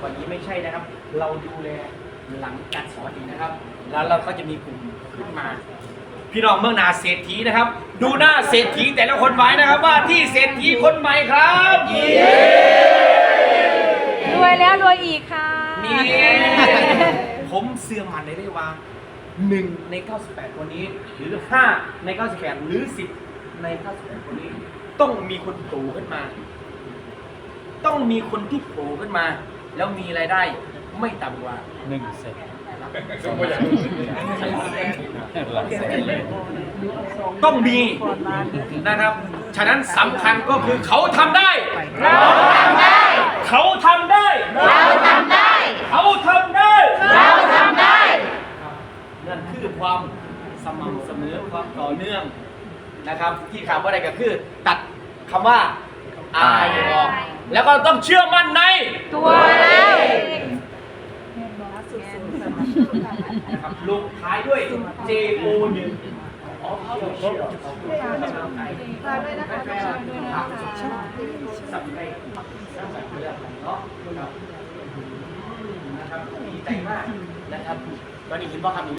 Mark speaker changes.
Speaker 1: วันนี้ไม่ใช่นะครับ เราดูแลหลังการสอนอีกนะครับ แล้วเราก็จะมีกลุ่มขึ้นมา พี่น้องเมืองนาเศรษฐีนะครับ ดูหน้าเศรษฐีแต่ละคนไว้นะครับว่าที่เศรษฐีคนใหม่ครับ
Speaker 2: รวยแล้วรวยอีกค่ะ
Speaker 1: นี่ผมเสื่อมันได้ว่า1 ใน 98 คนนี้หรือ5 ใน 98 หรือ10 ใน 98 คนนี้ต้องมีคนโผล่ขึ้นมา ต้องมีคนที่โผล่ขึ้นมา แล้วมีรายได้ไม่ต่ำกว่า1 เซนต้องมีนะครับฉะนั้นสำคัญก็คือเขาทำได้เราทำได้เขาทำได้เราทำได้เขาทำได้เราทำได้นั่นคือความสม่ำเสมอความต่อเนื่องนะครับที่คำว่าอะไรก็คือตัดคำว่าอายออกแล้วก็ต้องเชื่อมั่นใน
Speaker 2: ตัวเรา
Speaker 1: ลงท้ายด้วย JO1
Speaker 2: ฝากด้วยนะคะ
Speaker 1: สับไปเรื่องเนาะนะครับดีใจมากนะครับตอนนี้คิดว่าคำนี้